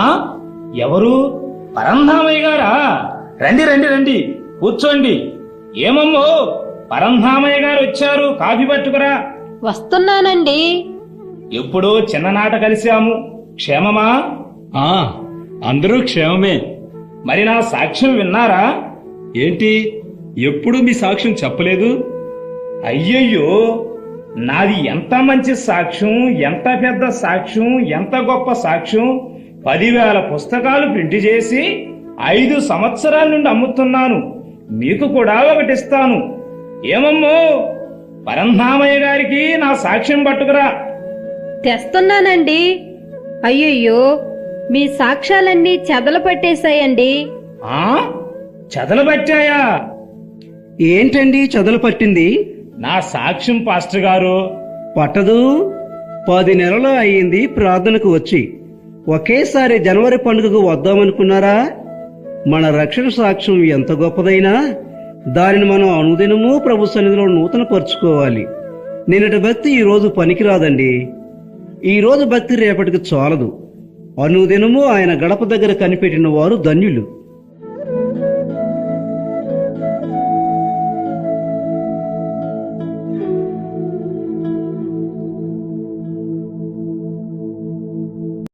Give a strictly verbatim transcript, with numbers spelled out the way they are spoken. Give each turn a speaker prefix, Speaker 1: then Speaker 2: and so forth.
Speaker 1: ఎవరు? పరంధామయ్య గారా? రండి రండి రండి, కూర్చోండి. ఏమమ్మో, పరంధామయ్య గారు వచ్చారు, కాఫీ పట్టుకురా.
Speaker 2: వస్తున్నానండి.
Speaker 1: ఎప్పుడో చిన్ననాట కలిశాము, క్షేమమా?
Speaker 3: ఆ అందరూ క్షేమమే.
Speaker 1: మరి నా సాక్ష్యం విన్నారా?
Speaker 3: ఏంటి, ఎప్పుడు మీ సాక్ష్యం చెప్పలేదు?
Speaker 1: అయ్యయ్యో, నాది ఎంత మంచి సాక్ష్యం, ఎంత పెద్ద సాక్ష్యం, ఎంత గొప్ప సాక్ష్యం. పదివేల పుస్తకాలు ప్రింట్ చేసి ఐదు సంవత్సరాల నుండి అమ్ముతున్నాను. మీకు కూడా ఒకటిస్తాను. ఏమమ్మో, పరంధామయ్య గారికి నా సాక్ష్యం పట్టుకురా.
Speaker 2: తెస్తున్నానండి. అయ్యయ్యో, మీ సాక్ష్యాలన్నీ చెదలు పట్టేశాయండి.
Speaker 1: ఆ చెదలు పట్టాయా?
Speaker 4: ఏంటండి చదులు పట్టింది?
Speaker 1: నా సాక్ష్యం పాస్టర్ గారు.
Speaker 4: పట్టదు. పది నెలలు అయ్యింది ప్రార్థనకు వచ్చి. ఒకేసారి జనవరి పండుగకు వద్దామనుకున్నారా? మన రక్షణ సాక్ష్యం ఎంత గొప్పదైనా దానిని మనం అనుదినము ప్రభు సన్నిధిలో నూతన పరుచుకోవాలి. నిన్నటి భక్తి ఈ రోజు పనికిరాదండి. ఈ రోజు భక్తి రేపటికి చాలదు. అనుదినము ఆయన గడప దగ్గర కనిపెట్టిన వారు ధన్యులు.